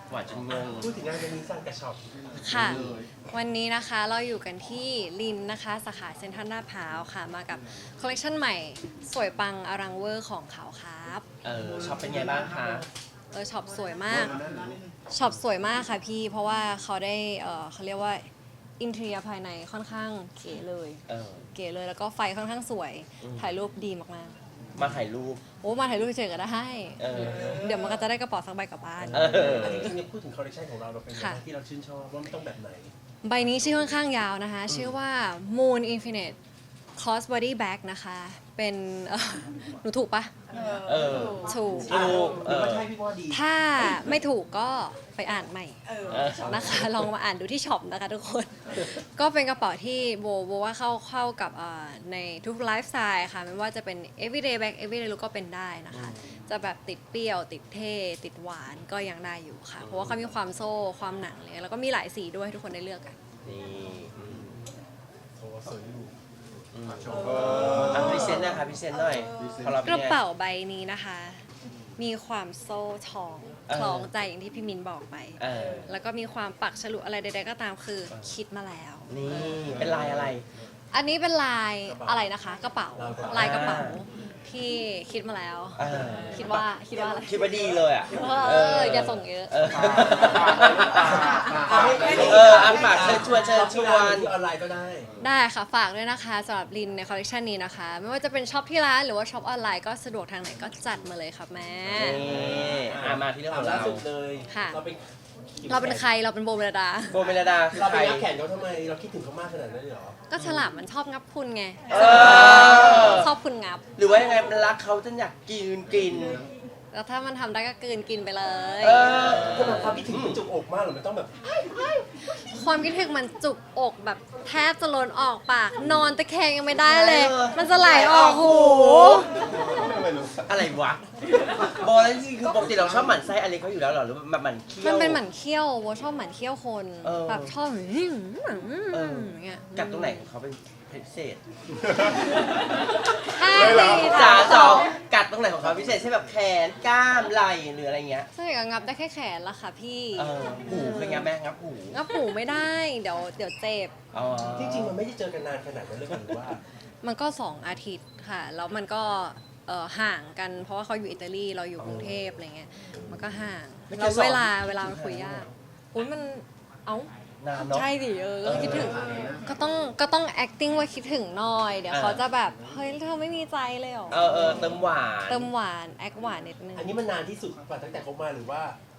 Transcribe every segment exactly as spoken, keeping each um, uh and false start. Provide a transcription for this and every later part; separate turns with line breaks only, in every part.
หวานจนงง
พูดถึงงานวันนี้สร้างกระชอบ
ค่ะวันนี้นะคะเราอยู่กันที่ลินนะคะสาขาเซ็นทรัลลาดพร้าวค่ะมากับคอลเลคชันใหม่สวยปังอลังเวอร์ของเขาครับ
เออช็อปเป็นไงบ้างคะ
เออช็อปสวยมากช็อปสวยมากค่ะพี่เพราะว่าเขาได้เออเขาเรียกว่าอินเทรียภายในค่อนข้างเก๋เลย
เออ
เก๋เลยแล้วก็ไฟค่อนข้างสวย
อืม
ถ่ายรูปดีมาก
มาถ่ายรูป
ๆโอ้มาถ่ายรูปเฉยๆก็ได้
เออ
เดี๋ยวมันก็จะได้กระเป๋าสักใบกลับบ้าน
เออ
อันนี้จริงๆพูดถึงคอลเลคชันของเราเราเป็นยังไงที่เราชื่นชอบว่ามันต้องแบบไหน
ใบนี้ชื่อค่อนข้างยาวนะคะ ชื่อว่า Moon Infinite Cross Body Bag นะคะ เป็นเอ่อหนูถูกปะ
เออ
ถูก
ถูก
หรือว่าใช่พี่ว่าดี
ถ้าไม่ถูกก็ไปอ่านใหม่
เออ
นะคะ ลองมาอ่านดูที่ช็อปนะคะทุกคน ก็เป็นกระเป๋าที่โบโบว่าเข้าเข้ากับเอ่อในทุกไลฟ์สไตล์ค่ะไม่ว่าจะเป็น everyday bag everyday look ก็เป็นได้นะคะ จะแบบติดเปรี้ยว ติดเท่ ติดหวานก็ยังได้อยู่ค่ะ เพราะว่าเขามีความโซ่ความหนังเลยแล้วก็มีหลายสีด้วยให้ทุกคนได้เลือกกัน
นี่อืม
โอ้สวยอยู่
อืมอ่ะพรีเซนต์นะคะพรีเซนต์หน่อยของเรา
ก
เป็น
ระ
ไง
เป๋าใบนี้นะคะ มีความโซ่ทอง
เออ
คล้องใจอย่างที่พี่มินบอกไป
เออ
แล้วก็มีความปักฉลุอะไรใดๆก็ตามคือคิดมาแล้ว
นี่เป็นลายอะไร
อันนี้เป็นลายอะไรนะคะ กระเป๋า ลายกระเป๋า
อ่า
ที่คิดมาแล้ว
เออ
คิดว่าคิดว่าอะไร
คิดว่าดีเลยอ่ะ
เอออย่าส่งเยอะ
เออเอออันฝากเชิญชวนเชิญชวน
ที่ออนไลน์ก็ได้
ได้ค่ะ ฝากด้วยนะคะสำหรับลินในคอลเลคชันนี้นะคะ ไม่ว่าจะเป็นช็อปที่ร้านหรือว่าช็อปออนไลน์ก็สะดวกทางไหนก็จัดมาเลยค่ะแม่
นี่อ่ะมาที่เรื่องของ
ล่า
เรา
สุดเลย
ค่ะ
เราเป็น
เราเป็นใครเราเป็นโบเมลดา
โบเมลดาคือ
เรา
ใค
ไป
ร
ยักแขนเขาทำไมเราคิดถึงเขามากขนาดนั้นเลยเหรอ
ก็ฉลามมันชอบงับคุณไง
เออ
ชอบคุณงับ
หรือว่ายังไงมันรักเขาจนอยากกินกิน
แล้วถ้ามันทำได้ก็กลืนกินไปเลย
เออ
ถ้าแบบความคิดถึงมันจุกอกมากหรือมันต้องแบบ
ความคิดถึงมันจุกอกแบบแทบจะล้นออกปาก นอนตะแคงยังไม่ได้เลย
เออ
มันจะไหลออกหู
อะไรวะโบแล้วจริงๆคือปกติเราชอบหมั่นไส้อะไรเขาอยู่แล้วเหรอหรือแบบหมั่นเคี้ยว
มันเป็นหมันเขี้ยวโบชอบหมันเขี้ยวคน
เออ
แบบชอบแบบอื้อหือ
เออ
อย่างเงี้ย
กัดตรงไหนของเขาเป็นพิเศษ
ใช่
จ๋า
จ้า
สองกัดตรงไหนของเขาพิเศษใช่แบบแขนกล้ามไหล่หรืออะไรเงี้ย
ใช่ก็งับได้แค่แขนละค่ะพี่
เออหูเป็นไงแม่งับหู
งับหูไม่ได้ เดี๋ยวเดี๋ยวเจ็บ
อ๋อ
จริงๆมันไม่ได้เจอกันนานขนาดนั้นเลยหรือว่า
มันก็สองอาทิตย์ค่ะ แล้วมันก็เอ่อห่างกัน เพราะว่าเขาอยู่อิตาลีเราอยู่กรุงเทพอะไรเงี้ย มันก็ห่าง
ไม่
แล้ว
เจอสอง
เวลาเวลามันคุยยากอุ้ยมัน เอ้า
นานเนาะ
ใช่ดิเออก็คิดถึง ก็ต้องก็ต้อง acting ว่าคิดถึงหน่อย เดี๋ยว
เออ
เขาจะแบบ เฮ้ยเธอไม่มีใจเลยเหรอ
เออเออเติมหวาน
เติมหวาน แอคหวานนิดนึง
อันนี้มันนานที่สุดกว่าตั้งแต่เขามาหรือว่า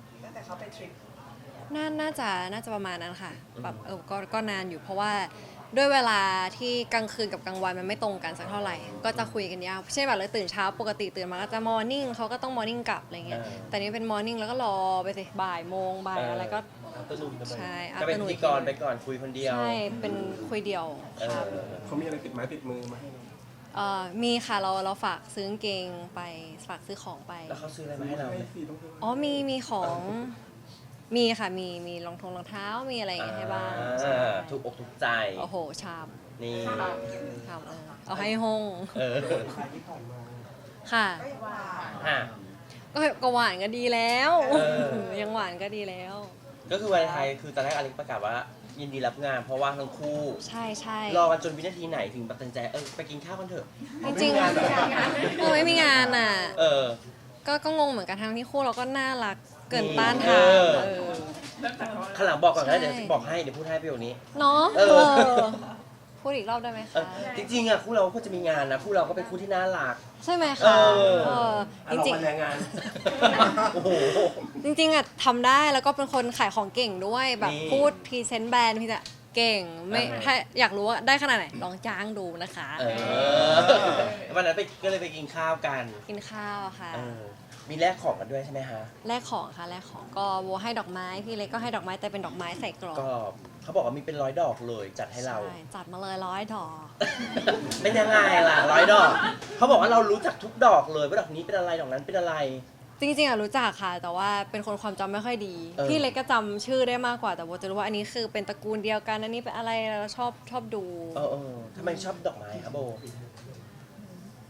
น่าน่าจะน่าจะประมาณนั้นค่ะแบบเออก็ก็นานอยู่เพราะว่าด้วยเวลาที่กลางคืนกับกลางวันมันไม่ตรงกันสักเท่าไหร่ ก็จะคุยกันยากเช่นแบบเราตื่นเช้าปกติตื่นมาก็จะมอร์นิ่งเขาก็ต้องมอร์นิ่งกลับอะไรเงี้ย
เออ
แต่นี่เป็นมอร์นิ่งแล้วก็รอไปสิบ่ายโมงบ่ายอะไรก็
อัตโนมัติ
ใช่
ก็เป็น
afternoon
พิธีกรไปก่อนคุยคนเดียว
ใช่เป็นคุยเดียว
เอ
ครับ
อ
เขามีอะไรติดไม้ติดมือมาให้เรา
เอ่อมีค่ะเราเราฝากซื้อกางเกงไปฝากซื้อของไป
แล้วเขาซื้ออะไรมาให้เราไหม
อ๋อมีมีของมีค่ะมีมีรองทงรองเท้ามีอะไรอย่างเงี้ยให้บ้างใช่
อ่าถูกอกถูกใจ
โอ้โหชาม
นี่
ชามเออเอาให้ห้อง
เออ
ค่ะ
อ่ะ
ก็ก็หวานก็ดีแล้ว
เออ
ยังหวานก็ดีแล้ว
ก็คือวันไทยคือตอนแรกอเล็กประกาศว่า ยินดีรับงาน เพราะว่าทั้งคู่
ใช่ใช่
รอกันจนวินาทีไหนถึงตัดสินใจเออไปกินข้าวกันเถอะ
จริงๆเออไม่มีงานอ่ะ
เออ
ก็ก็งงเหมือนกันทั้งที่คู่เราก็น่ารักเกินต้าน
เอ
ทาน
อ
เออ
ข้างหลังบอกก่อนนะ
ใช่
เดี๋ยวบอกให้เดี๋ยวพูดให้ประโยคนี้
เนาะ
เอ
เอ
อ
อพูดอีกรอบได้ไหม
เอ
คะ
อจริงๆอ่ะคู่เราก็จะมีงานนะคู่เราก็เป็นคู่ที่น่ารัก
ใช่ไหม
เอ
คะ
อ
เออจ
จริ
ริ
ง
ง
ๆแรงงาน
โอ้โห
ๆจริงๆอ่ะทำได้แล้วก็เป็นคนขายของเก่งด้วยแบบ
นี่
พูดพรีเซนต์แบรนด์พี่จะเก่งไม่
อ่าฮะ
ถ้าอยากรู้ว่าได้ขนาดไหนลองจ้างดูนะคะ
เออวันนั้นไปก็เลยไปกินข้าวกัน
กินข้าวค่ะ
เออมีแลกของกันด้วยใช่ไหมฮะ
แลกของค่ะแลกของก็โวให้ดอกไม้พี่เล็กก็ให้ดอกไม้แต่เป็นดอกไม้ใส่กรอบ
ก็เขาบอกว่ามีเป็นร้อยดอกเลยจัดให้เรา
ใช่จัดมาเลยร้อยดอก
เป็นยังไงล่ะร้อยดอก เขาบอกว่าเรารู้จักทุกดอกเลยว่าดอกนี้เป็นอะไรดอกนั้นเป็นอะไร
จริงๆอะรู้จักค่ะ แต่ว่าเป็นคนความจำไม่ค่อยดี
เออ
พี่เล็กก็จำชื่อได้มากกว่าแต่โบจะรู้ว่าอันนี้คือเป็นตระกูลเดียวกันอันนี้เป็นอะไรเราชอบชอบดู
เออเออทำไมชอบดอกไม้ครับโบ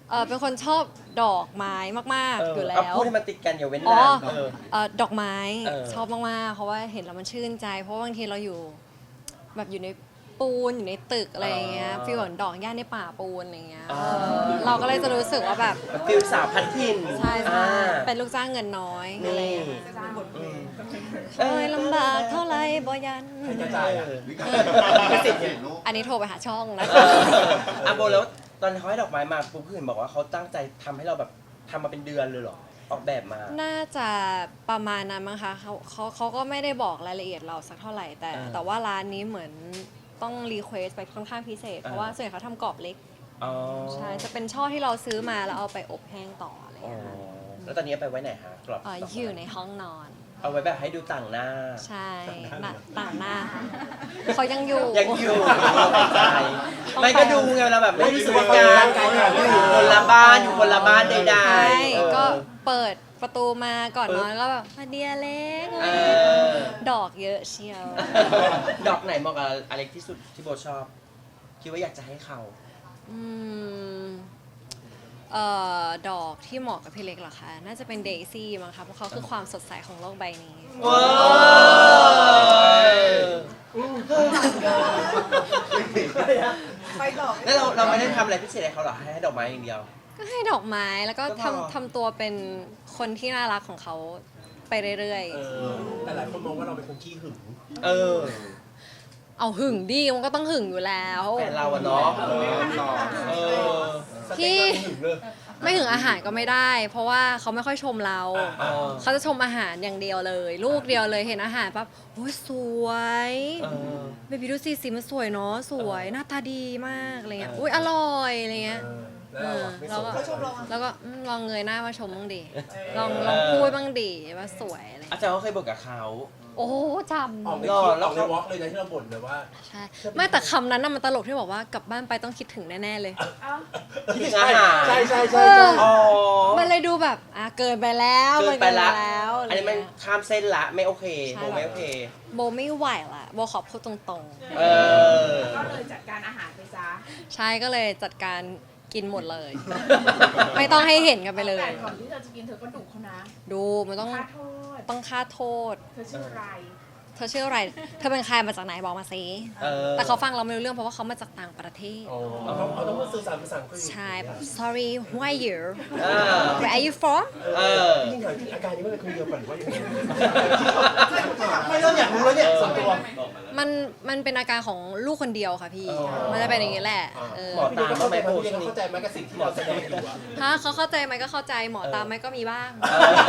เออเป็นคนชอบดอกไม้มากๆอยู่แล้
เอา
ว
พูดให้มันติดกันอย่าเว้น
อ๋อ
นานเออ
เอ่อดอกไม้
เออ
ชอบมากๆ เพราะว่าเห็นแล้วมันชื่นใจ เพราะว่าบางทีเราอยู่แบบอยู่ในปูนอยู่ในตึกอะไรอย่างเงี้ยฟีลเหมือนดอกหญ้าในป่าปูนอะไรอย่างเงี้ย
อ่า
เออเราก็เลยจะรู้สึกว่าแบบ
มันฟิลสาวพันทิน
ใช่ใช่
อ่า
เป็นลูกจ้างเงินน้อยอะไรอย่างเงี้ย
อืม
เอ้ยลำบากเท่าไรบ่ยัน
ใครจะจ่ายอ่ะ
ไม่สิทธิ์ลูก
อันนี้โทรไปหาช่องนะ
เอออ่ะโบแล้วตอนเขาให้ดอกไม้มาปุ๊บเห็นบอกว่าเขาตั้งใจทำให้เราแบบทำมาเป็นเดือนเลยเหรอ ออกแบบมา
น่าจะประมาณนั้นมั้งคะเขาเขาเขาก็ไม่ได้บอกรายละเอียดเราสักเท่าไหร่ แต่
อ่า
แต่ว่าร้านนี้เหมือนต้องรีเควสไปค่อนข้างพิเศษ เพราะ
อ่า
ว่าส่วนใหญ่เขาทำกรอบเล็ก
อ๋อ
ใช่ จะเป็นช่อที่เราซื้อมาแล้วเอาไปอบแห้งต่ออะไรอย่าง
อ๋อ
เงี้ย
แล้วตอนนี้เอาไปไว้ไหนฮะกรอบ
เอ่อ
ดกไม้
อยู่ในห้องนอน
เอาไว้แบบให้ดูต่างหน้า
ใช่หน้าต่างหน้า เขายังอยู่
ยังอยู่ใจไม่ก็ดูไงเราแบบไม่ได้สูงการอยู่คนละบ้านอยู่คนละบ้านใด
ใช่
ๆเออ
ก็เปิดประตูมาก่อนนอนก็แบบมาเดียเล็ก
เออ
ดอกเยอะเชียว
ดอกไหนเหมาะกับอเล็กที่สุดที่โบชอบ คิดว่าอยากจะให้เขา
อืมเอ่อดอกที่เหมาะกับพี่เล็กเหรอคะ น่าจะเป็นเดซี่มั้งคะเพราะเขาคือความสดใสของโลกใบนี้
ว้าวแล้วเราเราไม่ได้ทำอะไรพิเศษให้เขาหรอให้ให้ดอกไม้อย่างเดียว
ก็ให้ดอกไม้แล้วก็
ก็พอ
ทำทำตัวเป็นคนที่น่ารักของเขาไปเรื่อย
เออแต่หลายคนมองว่าเราเป็นคนขี้หึง
เออ
ๆ เอาหึงดิมันก็ต้องหึงอยู่แล้ว
แฟนเราอะเนาะเออ
สเต็กเราหึงเลย
ไม่หึงอาหารก็ไม่ได้ เพราะว่าเขาไม่ค่อยชมเรา
เออ
เขาจะชมอาหารอย่างเดียวเลย ลูกเดียวเลยเห็นอาหารปั๊บโอ้ยสวย
เออ
เบบี้ดูสิสีมันสวยเนาะสวยหน้าตาดีมากอะไรเงี้ย
เอออุ้
อุ้ยอร่อยอะไรเงี้ย
เออแล้วเราอะไม่สน
แล้วก็
ใจ
แล้วก็อืมลองเงยหน้ามาชมบ้างดิลองลองพูดบ้างดิว่าสวยอะไร
อาจารย์เขาเคยบอกกับเขา
โอ้จ
ออกใน
ำ
คลิป
แล้
อ
ว
อกในวอล์กเลยนะที่เราบ่นเลยว่า
ใช่ไม่แต่คำนั้นน่ะมันตลกที่บอกว่ากลับบ้านไปต้องคิดถึงแน่ๆเลย
คิดถึงอาหาร
ใช่ใช่ใช่
เอ
ใช่
อ
อ๋อ
มันเลยดูแบบอ่ะเกินไปแล้ว
เกินไปละ
มัแล้ว
อันนี้มันข้ามเส้นละไม่โอเค
ใช่
โบไม่โอเค
โบไม่ไหวละโบขอพูดตรง
เออ
ก็เลยจัดการอาหารไปซะ
ๆ ใช่ก็เลยจัดการกินหมดเลย ไม่ต้องให้เห็นกันไปเลย
แต่ก่อนที่เธอจะกินเธอก็ดุเขานะ
ดูมันต้อง
ค่าโทษ
ต้องค่าโทษ
เธอชื่ออะไร
เธอชื่ออะไร เธอเป็นใครมาจากไหนบอกมาสิ
เออ
แต่เขาฟังเราไม่รู้เรื่องเพราะว่าเขามาจากต่างประเทศ
อ๋อเขาเขาต้องมาสื่อสารภาษาอังกฤษ
ใช่แบบ sorry who are you
เออ
where are you from
เออ
จริงๆถามจริงอาการนี้มันเป็นคนเดียวกันหรือว่ายังไงไม่เริ่มอยากรู้แล้วเนี่ยส่วนตัว
มันมันเป็นอาการของลูกคนเดียวค่ะพี่
อ๋อ
มันจะเป็นอย่างนี้แหละเออ
หมอ
พี่ดูก็เข้าใจไหมพี่ดูเข้าใจไหมกับสิ่งที่เราแสดงอยู่อะ
ถ้าเขาเข้าใจไหมก็เข้าใจหมอตามไหมก็มีบ้าง
เออ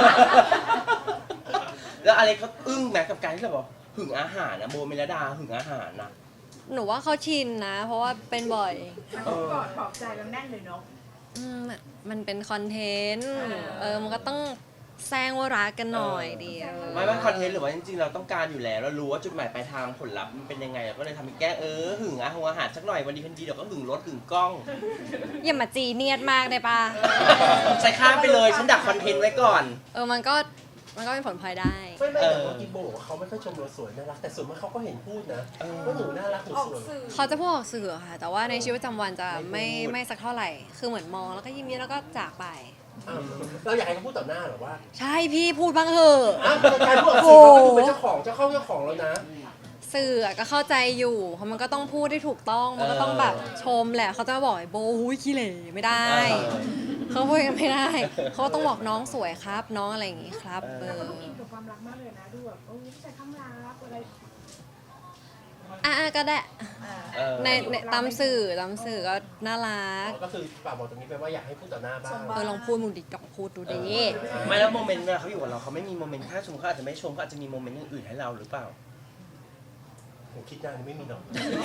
แล้วอะไรเขาอึ้งไหมกับการที่เราบอกหึงอาหารนะโบเมลดาหึงอาหารนะ
หนูว่าเขาชินนะ เพราะว่าเป็นบ่อย
แล้วก็กอดปลอบใจกันแน่นเลยเนาะ
อืมมันเป็นคอนเทนต์เออมันก็ต้องแซงว่ารักกันหน่อยดีเออ
ไม่ว่าคอนเทนต์หรือว่าจริงๆเราต้องการอยู่แล้วเรารู้ว่าจุดหมายปลายทางผลลัพธ์มันเป็นยังไงเราก็เลยทำเป็นแกล้งเออหึงอาหารอาหารสักหน่อยวันดีคืนดีเดี๋ยวก็หึงรถหึงกล้อง
อย่ามาจีเนียดมากได้ปะ
ใส่ข้ามไปเลยฉันดักคอนเทนต์ไว้ก่อน
เออมันก็มันก็เป็นผลพลอยได้
ไม่ไม่แต่ว่ากินโบบอกว่าเขาไม่ค่อยชมเราสวยน่ารักแต่ส่วนมากเขาก็เห็นพูดนะ
เออ
ว่าหนูน่ารักหนู
ออก
สวย
สื่อ
เขาจะพูดออกสื่อค่ะ แต่ว่าในชีวิตประจำวันจะไม่
ไม่พูด
ไม่สักเท่าไหร่ คือเหมือนมองแล้วก็ยิ้มยิ้มแล้วก็จากไป
อ่ะเราอยากให้เขาพูดต่อหน้าเหรอว่า
ใช่พี่พูดบ้างเถอะ
อ่ะการพูดออกสื่อเราก็ดูเป็นเจ้าของเจ้าเข้าเจ้าของแล้วนะ
สื่อก็เข้าใจอยู่เพราะมันก็ต้องพูดได้ถูกต้อง มันก็ต้องแบบชมแหละ เขาจะมาบอกไอ้โบหุ้ยขี้เหร่ไม่ได้ เขาพูดกันไม่ได้ เขาก็ต้องบอกน้องสวยครับ น้องอะไรอย่างงี้ครับเอ
แต่
อ
เขาดูอินกับความรักมากเลยนะ ดูแบบโอ้ยผู้ชายข้างรักอะไร
อ่ะๆก็ได้
เออ
ในในตามสื่อตามสื่อก็น่ารัก
ก็คือฝากบอกตรงนี้ไปว่าอยากให้พูดต่อหน้าบ้าง
เออลองพูดมึงดิลองพูดดูดิ
ไม่แล้วโมเมนต์เวลาเขาอยู่กับเราเขาไม่มีโมเมนต์ถ้าชมเขาอาจจะไม่ชมเขาอาจจะมีโมเมนต์อื่นๆให้เราหรือเปล่า
ผมคิดนานไม่มีหรอก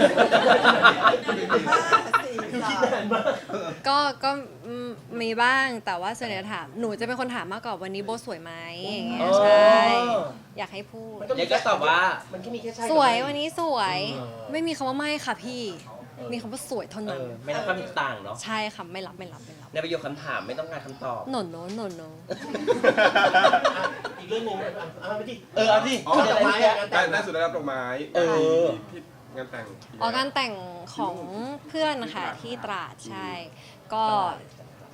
ก็ก็อืมมีบ้างแต่ว่าส่วนใหญ่ถามหนูจะเป็นคนถามมากกว่าวันนี้โบสวยไหมอย่างเงี้ย
อ๋อ
ใช่อยากให้พูด
เดี๋ยวก็ตอบว่า
มันก็มีแค่ใช่
สวยวันนี้สวย
เออ
ไม่มีคำว่าไม่ค่ะพี่ มีคำว่าสวยเท่า
เอ
นั้น
อไม่รับความเห็นต่างเนาะ
ใช่ค่ะไม่รับไม่รับไม่รับ
ในประโยคคำถามไม่ต้องการคำตอบ
หนนโนหนนโน
อ่ะอีกเรื่องหนึงอ่ะเอาไปดิ
เออเอาดิ
อ๋อดอกไม้อ่ะงาน
ได้
แต่ง
ได้สุดได้รับดอกไม้
เออ
ที่งานแต่ง
ออกงานแต่งของเพื่อนนะคะที่ตราดใช่ ก็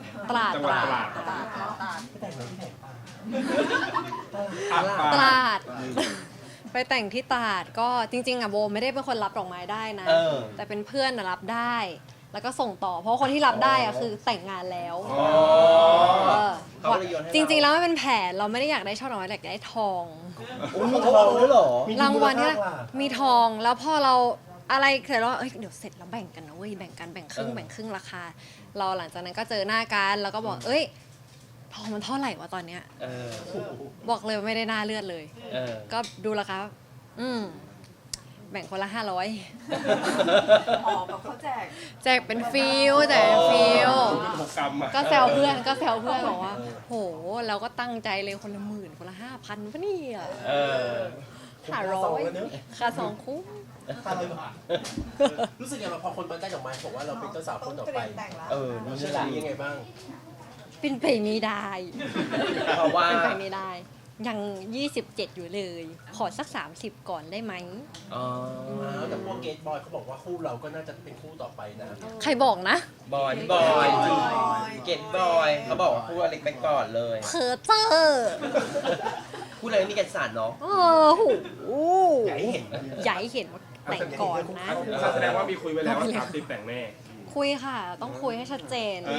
ตราด
จังห
ต
วัด
ราด
ตราด
ตราด
ไปแต่งงานที่ไหนป่ะ
อ่ะ
ต
ปา
ราด ไปแต่งที่ตราดก็จริงๆอะโบไม่ได้เป็นคนรับดอกไม้ได้นะ
เออ
แต่เป็นเพื่อนน่ะรับได้ แล้วก็ส่งต่อ เพราะคนที่รับได้อะคือแต่งงานแล้ว
อ๋อ
เออ
เขาก็เลยโยนให้เรา
จริงๆแล้วมันเป็นแผนเราไม่ได้อยากได้ช่อดอกไม้แต่อยากได้ทอง
โอ้ยมีทองด้วยเหรอ
มี
รางวัลที่
มูลค่า
มีทองแล้วพอเราอะไรเสร็จแล้วเอ้ยเดี๋ยวเสร็จแล้วแบ่งกันนะเว้ยแบ่งกันแบ่งครึ่ง
เออ
แบ่งครึ่งราคา เราหลังจากนั้นก็เจอหน้ากันแล้วก็บอกเอ้ยทองมันเท่าไหร่วะตอนเนี้ย
เออ
บอกเลยว่าไม่ได้หน้าเลือดเลย
เออ
ก็ดูราคาอืมแบ่งคนละห้าร้อย
อ๋อแบบเขาแจก
แจกเป็นฟิลแจกเป็นฟิล
เป็นหกกรัมอ่ะ
ก็แซวเพื่อนก็แซวเพื่อนบอกว่า โหเราก็ตั้งใจเลยคนละหมื่นคนละห้าพันปะเนี่ย
เออ
ห้าร้อยค่าสองคุ้ม
ห้าร้อยบาทรู้สึกยังไงพอคนมาได้ดอกไม้บอกว่าเราเป็นเจ้าสาวคนต่อไป
เออ
มัน
นี่
เชื่อ
แหละ
ถือยังไงบ้าง
เป็นไปไม่ได้
เพราะว่า
เป็นไปไม่ได้ ยังยี่สิบเจ็ดอยู่เลย ขอสักสามสิบก่อนได้ไหม
อ๋อ
แต่พวกเกตบอยเขาบอกว่าคู่เราก็น่าจะเป็นคู่ต่อไปนะ
ใครบอกนะ
บอยบอยจริงเกตบอยเขาบอกว่าพูดอเล็กไปก่อนเลย
เพอเจอร์
พูดอะไรไม่มีกันสารเนาะ
โอ้โห
อยากให้เห็นนะ
ใหญ่เห็นว่าแต่งก่อนนะ
แสดงว่ามีคุยไว้แล้วว่าสามสิบแต่งแน่
คุยค่ะ ต้องคุยให้ชัดเจน
เอ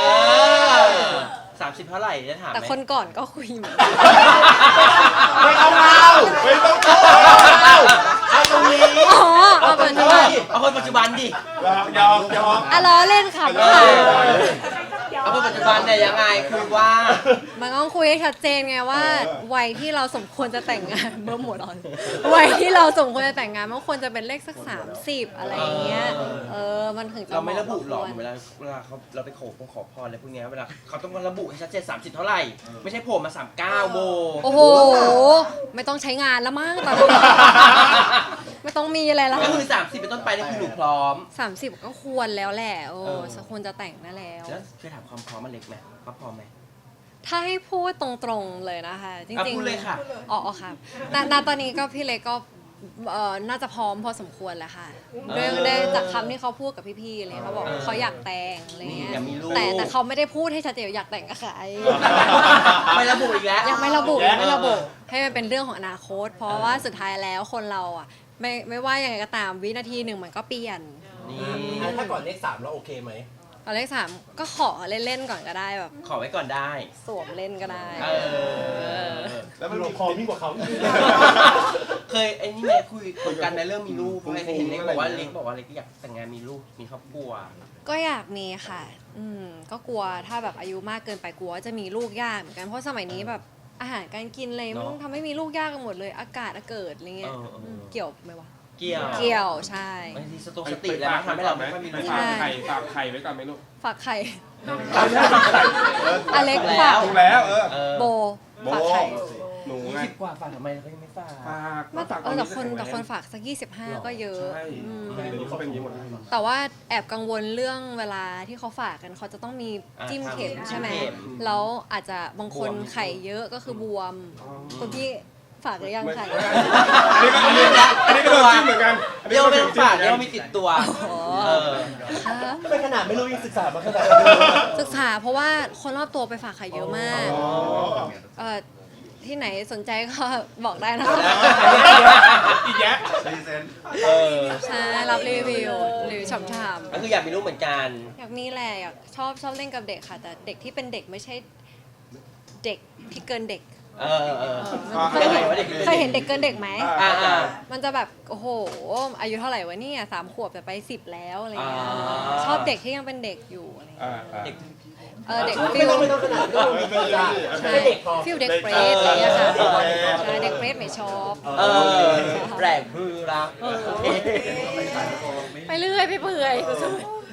สามสิบเท่าไหร่จะถามไหม
แต่คนก่อนก็คุยเหมือน
ไม่เอาเรา
ไม่ต้อง
เอาเอาตรงนี้
อ๋อเอาปัจจุบัน
เอาคนปัจจุบันดิ
ยอมยอมยอม
อ่ะล้อเล่นค่ะ
เออ
เอาคนปัจจุบันเนี่ยยังไงคุยว่า
มันต้องคุยให้ชัดเจนไงว่า วัยที่เราสมควรจะแต่งงานเมื่อหมดอ่อนวัยที่เราสมควรจะแต่งงานมันควรจะเป็นเลขสักสามสิบอะไรอย่างเงี้ยเออมันถึงจะ
เราไม่ระบุหรอก
เหมาะ
เวลาเวลาเขาเราไปขอพงขอพรอะไรพวกเนี้ยเวลาเขาต้องระบุให้ชัดเจนสามสิบเท่าไหร่ ไม่ใช่โผล่มาสามเก้าโบ
โอ้โห ไม่ต้องใช้งานแล้วมั้งตอนนี้ ไม่ต้องมีอะไรแล้ว
ก็คือสามสิบเป็นต้นไปนี่คือหนูพร้อม
สามสิบก็ควรแล้วแหละโอ้
เออ
สมควรจะแต่งได้แล้ว
แล้วเคยถามความพร้อมมันเล็กไหมว่าพร้อมไหม
ถ้าให้พูดตรงๆเลยนะคะ จ
อ่ะ
ริง
พูดเลยค่ะ
อ๋อค่ะณณตอนนี้ก็พี่เล็กก็เอ่อน่าจะพร้อมพอสมควรแล้วค่ะด้วย
เออ
ด้วยจากคำที่เขาพูดกับพี่ๆอะไรเลยเขาบอก
เออ
เขาอยากแต่งอะไรเงี้ย
อยากมีลูก
แต่แต่เขาไม่ได้พูดให้ชัดเจนว่าอยากแต่งกับใคร
ไม่ระบุอีกแล้ว
ยังไม่ระบุ
เออ
ยังไม่ระบุให้มันเป็นเรื่องของอนาคต เพราะว่าสุดท้ายแล้วคนเราอ่ะไม่ไม่ว่ายังไงก็ตามวินาทีหนึ่งมันก็เปลี่ยน
นี่
ถ้าก่อนเลขสามเราโอเคไหม
ตอนเลขสามก็ขอเล่นๆก่อนก็ได้แบบ
ขอไว้ก่อนได้
สวมเล่นก็ได้
เออ
แล้วมัน
เรา
มี
คอมิ่งกว่าเขาอีก
เคยไอ้นี่ไหมคุยคุยกันในเรื่องมีลูกเพราะเห็นเล็กบอกว่าเล็กบอกว่าเล็กอยากแต่งงานมีลูกมีครอบครัว
ก็อยากมีค่ะ อืม ก็กลัวถ้าแบบอายุมากเกินไปกลัวว่าจะมีลูกยากเหมือนกัน เพราะสมัยนี้แบบอาหารการกินเลย
เนอะ
มันทำให้มีลูกยากกันหมดเลย อากาศอากาศอะไรเงี้ย
เออเอออื
มเกี่ยวไหมวะ
เกี่ยว
เกี่ยวใช่
บางทีสตงสติแล้วมันทำให้เราไม่ค่อยมี
ไป
ลูก
ฝากไข่ฝากไข่ไว้ก่อนไหมลูก
ฝากไข่
ตามนั้นไข่
อเล็ก
แล้ว
ฝาก
ถูกแล้วเออ
เออ
โบ
โบ
ฝากไข่
หนู
ยี่
ไง
สิบกว่าฝากทำไมเขายังไม่ฝาก
ฝาก
ไม่แต่
ฝาก
เออแต่คน
จะ
แต่
ข็ง
คน
แรง
ฝากสักยี่สิบห้าก็เยอะ
ใช่
อืม
เดี๋ยวนี้เขาเป็นอย่างนี้หมดแล้ว
แต่ว่าแอบกังวลเรื่องเวลาที่เขาฝากกันเขาจะต้องมี
อ่า
จิ้มเข็ม
จิ้ม
ใช่ไหม
เข็ม
แล้วอาจจะบางคน
บวม
ไข่เยอะก็คือบวมคุณพี่ฝากหรือยัง
ไม่
ไข่
อันนี้ก็อันนี้ก็อันนี้ก็โดนจิ้มเหมือนกันอัน
เรี
นี้
ยก
ก็
ว่าไม่
โด
ต้อน ง
จิ้ม
ฝาก
เหมือน
เรียก
กัน
ว่ามีติดตัว เออ
ค่ะ
ไม่ขนาดไม่รู้ยังศึกษามาขนาด
ศึกษาเพราะว่าคนรอบตัวไปฝากไข่เยอะมาก
อ๋อ
เอ่อที่ไหนสนใจก็บอกได้นะคะ
อีกแยะ
เออ
ใช่รับรีวิวหรือฉ่ำๆ
ก็คืออยากมีลูกเหมือนกัน
อยากมีแหละอยากชอบชอบเล่นกับเด็กค่ะ แต่เด็กที่เป็นเด็กไม่ใช่เด็กที่เกินเด็ก
เออเออ
อ่า
เคยเห็น
ว่าเด็ก
เคยเห็นเด็กเกินเด็กไหม
อ่าอ่า
มันจะแบบโอ้โหอายุเท่าไหร่วะเนี่ยสามขวบแต่ไปสิบแล้วอะไรเงี้ย
อ่า
ชอบเด็กที่ยังเป็นเด็กอยู่อะไรเงี้ย
อ่าอ่า
เด็ก
เออเด็ก
ไม่
ฟิล
ต้องไม่ต้องขนาดไม่ต้องมีศึกษา
ใช่
แค่เด็กพอ
ฟิลเด็กเฟรชอะไรเงี้ยค่ะ
เออ
ใช่เด็กเฟรชไม่ชอบ
เออแปลกพือรัก
ไปเรื่อยไปเปื่อย